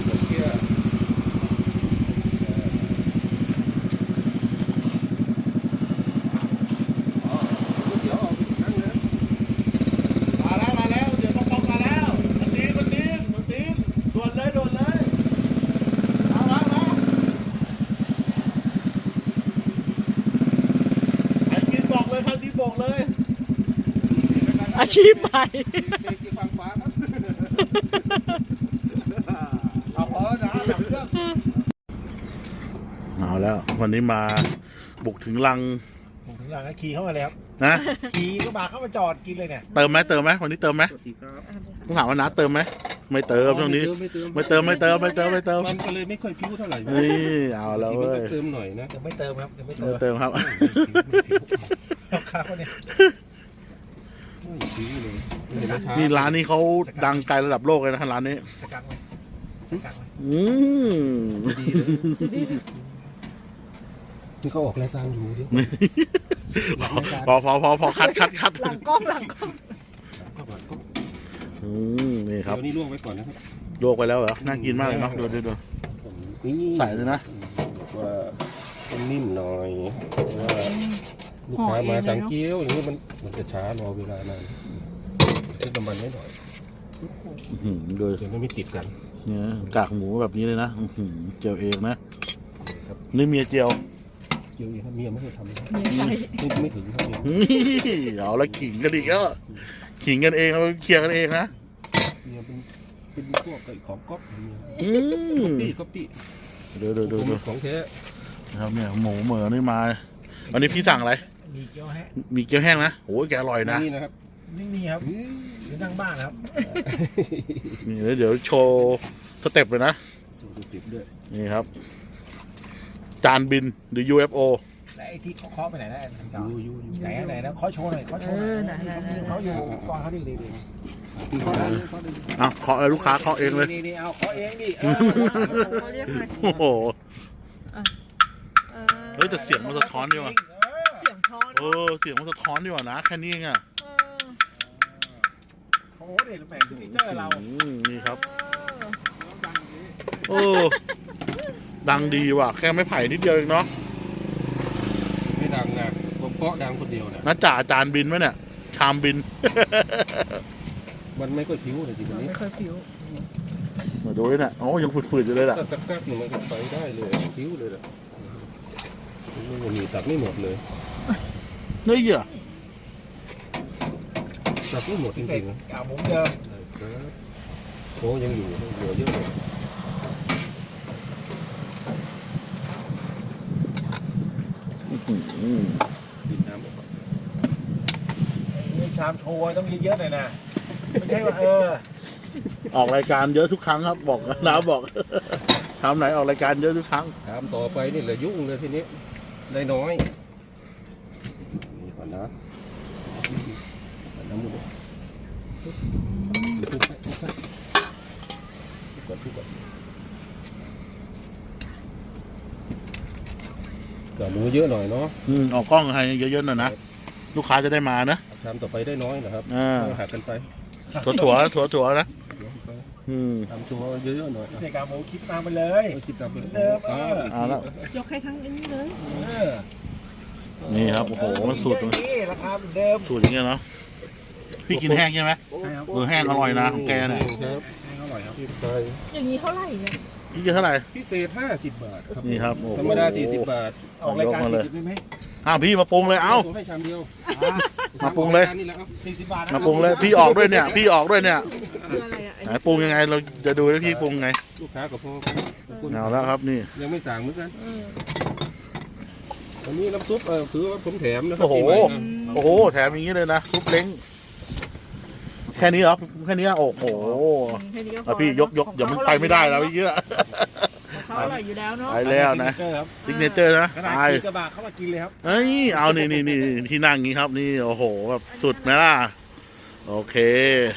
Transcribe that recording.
เกียร์มาแล้วเดี๋ยวต้องมาแล้วมันตีด่วนเลยมาไอ้กินบอกเลยครับที่บอกเลยอาชีพใหม่เอาพอแล้วนะดับเครื่องเอาแล้ววันนี้มาบุกถึงรังผมถึงหลังขี่เข้ามาเลยครับนะขี่ก็มาเข้ามาจอดกินเลยเนี่ยเติมไหมวันนี้เติมไหมต้องถามว่าน้าเติมไหมไม่เติมตรงนี้ไม่เติมมันก็เลยไม่ค่อยพิ้วเท่าไหร่นี่เอาแล้วมันเว้ก็ยเติมหน่อยนะยังไม่เติมครับยังไม่เติไม่มเติมครับข้าวเนี่ยไม่พิ้วเลยนี่ร้านนี้เขาดังไกลระดับโลกเลยนะร้านนี้สกังเลยสกังเลยอืมดีเลยที่เขาออกรายการอยู่ดิพอคัดหลังกล้องนี่ครับเดี๋ยวนี้ลวกไว้ก่อนนะครับลวกไปแล้วเหรอน่ากินมากเลยเนาะดู ใส่เลยนะบอกว่าต้องนิ่มหน่อยเพราะว่าลูกค้ามาสั่งเกี๊ยวอย่างนี้มันจะช้ารอเวลานานให้น้ำมันไว้หน่อยดูเดี๋ยวมันไม่ติดกันเนี่ยกากหมูแบบนี้เลยนะเจียวเองนะนี่เมียเจียวเกี๊ยวเองครับเมียไม่เคยทำนะเมียใช่ไม่ถึงครับเมียเอาละขิงกันอีกแล้วขิงกันเองเราเคลียร์กันเองนะเมียเป็นพวกไก่ของก๊อปเมีย ก๊อปปี้ดูของแท้นะครับเนี่ยหมูเหมือนี่มาวันนี้พี่สั่งอะไรมีเกี๊ยวแห้งมีเกี๊ยวแห้งนะโอ้ยแกอร่อยนะนี่นะครับนี่ครับหรือนั่งบ้านครับนี่เดี๋ยวโชว์สเต็ปเลยนะติดด้วยนี่ครับ จานบินหรือ UFO และไอ้ที่เคาะไปไหนนะอันเก่ายูไหนนะเคาะโชว์หน่อยเคาะโชว์หน่อยเขาอยู่กองเขาดีเอาเคาะเลยลูกค้าเคาะเองเลยนี่เอาเคาะเองดิเขาเรียกไงโอ้โหเออเฮ้ยแต่เสียงมันสะท้อนดีว่ะเสียงท้อนเสียงมันสะท้อนดีว่ะนะแค่นี้เองอ่ะโอ้โหเด็ดแหม่ซิกเนเจอร์เรานี่ครับโอ้ดังดีว่ะแค่ไม่ไผ่นิดเดียวเองเนาะไม่ดังนะผมเกาะดังคนเดียวนะน้าจ่าจานบินไหมเนี่ยชามบินมันไม่ค่อยผิวเลยทีนี้ไม่ค่อยผิวมาดูนี่น่ะโอ้ยังฝืดๆอยู่เลยล่ะถ้าสักแป๊บหนึ่งมันก็ไปได้เลยผิวเลยแหละมันมีตัดไม่หมดเลยนี่เหรอตัดไม่หมดจเสร็ริจงๆนะเอาหมูเดิมโอ้ยังอยู่เหลือเยอะเลย ดินน้ำออกมานี่ชามโชว์ต้องเยอะๆหน่อยนะไม่ใช่ว่าออกรายการเยอะทุกครั้งครับบอกน้าบอก ทำไหนออกรายการเยอะทุกครั้งถามต่อไปนี่แหละยุ่งเลยทีนี้ได้น้อยนี่ก่อนนะน้ำมันทุกไปก่อนก็หมูเยอะหน่อยเนาะออกกล้องให้เยอะๆหน่อยนะลูกค้าจะได้มานะทำต่อไปได้น้อยนะครับหักกันไปถั่วนะทำตัวเยอะๆหน่อยเสร็จกาหมูคิดมาเลยคิดตามเป็นเอาแล้วยกให้ทั้งอันนี้เลยนี่ครับโอ้โหมันสูตรนี่ราคาเหมือนเดิมสูตรอย่างเงี้ยเนาะพี่กินแห้งใช่ไหมแห้งอร่อยนะของแกเนี่ยครับอร่อยครับพี่ไปอย่างนี้เท่าไหร่เนี่ยพี่กินเท่าไหร่พิเศษ50 บาทครับนี่ครับโอ้โหธรรมดา40 บาทออกรายการ40ได้ไหมพี่มาปรุงเลยเอ้าส่งให้ชามเดียวมาปรุงเลยนี่แหละครับ 40 บาทมาปรุงเลยพี่ออกด้วยเนี่ยคืออะไรอ่ะไหนปรุงยังไงเราจะดูว่าพี่ปรุงไงลูกค้ากับพ่อเอาแล้วครับนี่ยังไม่สั่งเหมือนกันอันนี้น้ำซุปคือว่าผมแถมนะครัโอ้โหปีใม่นะโอ้โหแถมอย่างนี้เลยนะซุปเล้งแค่นี้เหรอแค่นี้โอ้โหแค่นี้ก็พอ่ะอพี่ยกเดี๋ยวมันไปไม่ได้แล้วพี่ละเขาอร่อยอยู่แล้วเนาะไปแล้วนะครับซิกเนเจอร์นะขนาดตายขี่กระบะเข้ามากินเลยครับเอ้ยเอานี่ที่นั่งอย่างนี้ครับนี่โอ้โหแบบสุดไหมล่ะโอเค